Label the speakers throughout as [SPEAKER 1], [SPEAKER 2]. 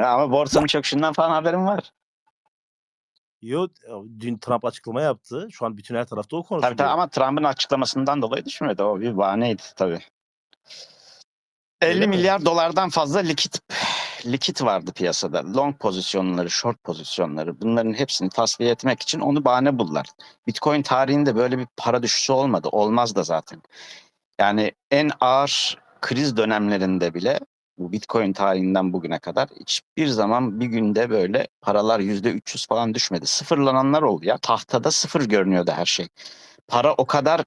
[SPEAKER 1] yani ama borsanın çöküşünden falan haberim var.
[SPEAKER 2] Yok, dün Trump açıklama yaptı. Şu an bütün her tarafta o
[SPEAKER 1] Tabii
[SPEAKER 2] konuşuluyor.
[SPEAKER 1] ama Trump'ın açıklamasından dolayı düşmedi. O bir bahaneydi tabii. 50
[SPEAKER 2] Öyle mi?
[SPEAKER 1] milyar dolardan fazla likit vardı piyasada. Long pozisyonları, short pozisyonları, bunların hepsini tasfiye etmek için onu bahane buldular. Bitcoin tarihinde böyle bir para düşüşü olmadı. Olmaz da zaten. Yani en ağır kriz dönemlerinde bile bu Bitcoin tarihinden bugüne kadar hiçbir zaman bir günde böyle paralar %300 falan düşmedi. Sıfırlananlar oldu ya. Tahtada sıfır görünüyordu her şey. Para o kadar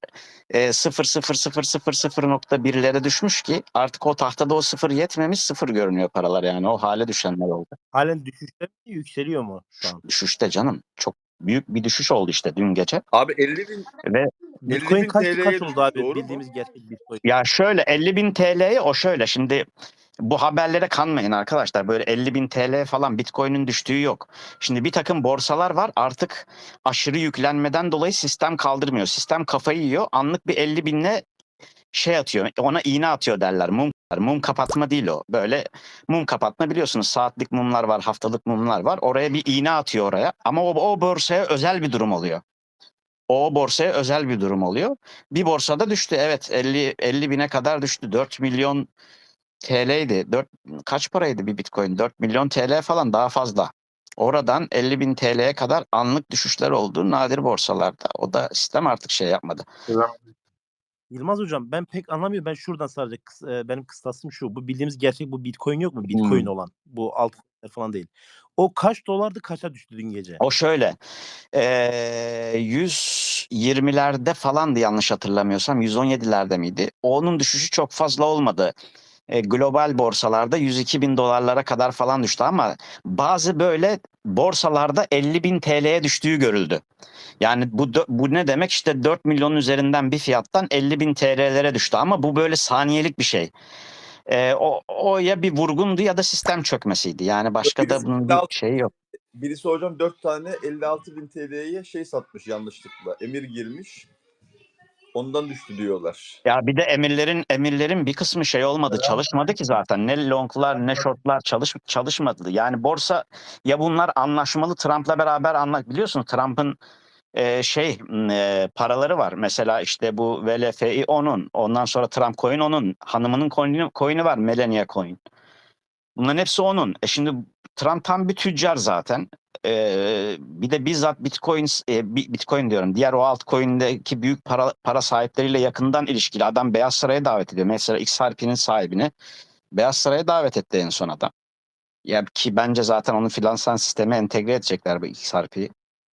[SPEAKER 1] 0,000,000,1'lere düşmüş ki artık o tahtada o sıfır yetmemiş, sıfır görünüyor paralar, yani o hale düşenler oldu.
[SPEAKER 2] Halen düşüşte mi, yükseliyor mu şu an?
[SPEAKER 1] Düşüşte canım. Çok büyük bir düşüş oldu işte dün gece.
[SPEAKER 3] Abi 50.000
[SPEAKER 1] Ve
[SPEAKER 2] Bitcoin
[SPEAKER 3] 50.000
[SPEAKER 2] kaç
[SPEAKER 3] TL'ye
[SPEAKER 2] oldu abi?
[SPEAKER 3] doğru mu?
[SPEAKER 2] Bildiğimiz gerçek Bitcoin.
[SPEAKER 1] ya şöyle 50.000 TL'ye o şöyle şimdi bu haberlere kanmayın arkadaşlar. Böyle 50.000 TL falan Bitcoin'in düştüğü yok. Şimdi bir takım borsalar var, artık aşırı yüklenmeden dolayı sistem kaldırmıyor. Sistem kafayı yiyor. Anlık bir 50.000'le şey atıyor. Ona iğne atıyor derler. Mum kapatma değil o. Böyle mum kapatma, biliyorsunuz. Saatlik mumlar var, haftalık mumlar var. Oraya bir iğne atıyor oraya. Ama o borsaya özel bir durum oluyor. O borsaya özel bir durum oluyor. Bir borsada düştü. Evet, 50 bine kadar düştü. 4 milyon TL'ydi. Kaç paraydı bir Bitcoin? 4 milyon TL falan, daha fazla. Oradan 50 bin TL'ye kadar anlık düşüşler oldu nadir borsalarda. O da sistem artık şey yapmadı.
[SPEAKER 2] Yılmaz hocam, ben pek anlamıyorum. Ben şuradan sadece benim kıstasım şu. Bu bildiğimiz gerçek bu Bitcoin yok mu? Bitcoin olan. Bu altın falan değil. O kaç dolardı, kaça düştü dün gece?
[SPEAKER 1] O şöyle 120'lerde falandı yanlış hatırlamıyorsam, 117'lerde miydi? Onun düşüşü çok fazla olmadı. Global borsalarda 102 bin dolarlara kadar falan düştü ama bazı böyle borsalarda 50 bin TL'ye düştüğü görüldü. Yani bu ne demek? İşte 4 milyonun üzerinden bir fiyattan 50 bin TL'lere düştü ama bu böyle saniyelik bir şey. O ya bir vurgundu ya da sistem çökmesiydi. Yani başka da bunun bir şeyi yok.
[SPEAKER 3] Birisi hocam 4 tane 56.000 TL'ye şey satmış yanlışlıkla. Emir girmiş. Ondan düştü diyorlar.
[SPEAKER 1] Ya bir de emirlerin bir kısmı şey olmadı, çalışmadı ki zaten. Ne longlar ne shortlar çalışmadı. Yani borsa, ya bunlar anlaşmalı, Trump'la beraber biliyorsunuz Trump'ın paraları var. Mesela işte bu VLFI onun, ondan sonra Trump Coin onun, hanımının coin'i var, Melania Coin. Bunların hepsi onun. Şimdi Trump tam bir tüccar zaten. Bir de bizzat Bitcoin diyorum. Diğer o altcoin'deki büyük para sahipleriyle yakından ilişkili. Adam Beyaz Saray'a davet ediyor. Mesela XRP'nin sahibini Beyaz Saray'a davet etti en son adam. Ya ki bence zaten onun finansal sisteme entegre edecekler bu XRP'yi.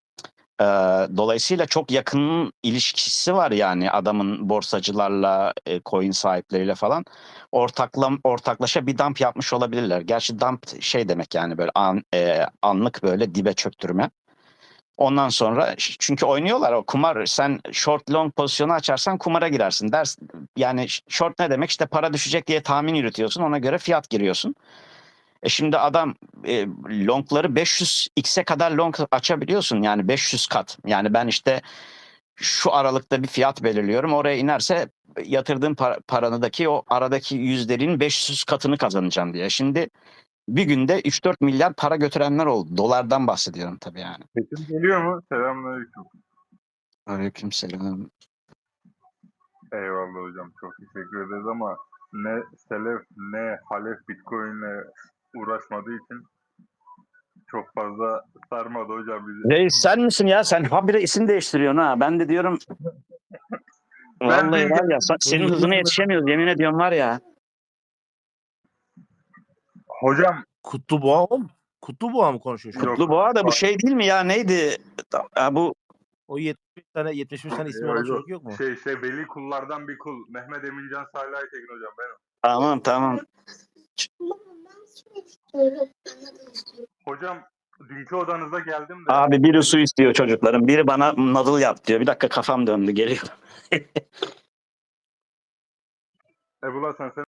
[SPEAKER 1] Dolayısıyla çok yakın ilişkisi var yani adamın borsacılarla, coin sahipleriyle falan. Ortaklaşa bir dump yapmış olabilirler. Gerçi dump şey demek, yani böyle anlık böyle dibe çöktürme. Ondan sonra çünkü oynuyorlar o kumar. Sen short long pozisyonu açarsan kumara girersin dersin. Yani short ne demek? İşte para düşecek diye tahmin yürütüyorsun. Ona göre fiyat giriyorsun. Şimdi adam longları 500x'e kadar long açabiliyorsun, yani 500 kat. Yani ben işte şu aralıkta bir fiyat belirliyorum. Oraya inerse yatırdığım paranıdaki o aradaki yüzlerin 500 katını kazanacağım diye. Şimdi bir günde 3-4 milyar para götürenler oldu. Dolardan bahsediyorum tabii yani.
[SPEAKER 4] Sesim geliyor mu? Selamünaleyküm.
[SPEAKER 1] Aleykümselam.
[SPEAKER 4] Eyvallah hocam, çok teşekkür ederiz ama ne Selef ne Halef Bitcoin'le uğraşmadığı için çok fazla sarmadı hocam bizi.
[SPEAKER 1] Reis sen misin ya? Sen habire isim değiştiriyorsun ha. Ben de diyorum vallahi
[SPEAKER 4] dün
[SPEAKER 1] var ya, senin hızına yetişemiyoruz, yemin ediyorum var ya.
[SPEAKER 4] hocam
[SPEAKER 2] Kutluboğa o mu? Kutluboğa mı konuşuyor şu an?
[SPEAKER 4] yok.
[SPEAKER 1] Kutluboğa da bu şey değil mi ya, neydi? Bu
[SPEAKER 2] O 75 tane ismi olan çocuk yok mu?
[SPEAKER 4] Veli kullardan bir kul. Mehmet Emincan Salih Aytekin hocam benim.
[SPEAKER 1] tamam.
[SPEAKER 4] Hocam dünkü odanıza geldim de.
[SPEAKER 1] Abi biri su istiyor çocukların. Biri bana nadıl yap diyor. Bir dakika, kafam döndü, geliyor.
[SPEAKER 4] Ebullah sen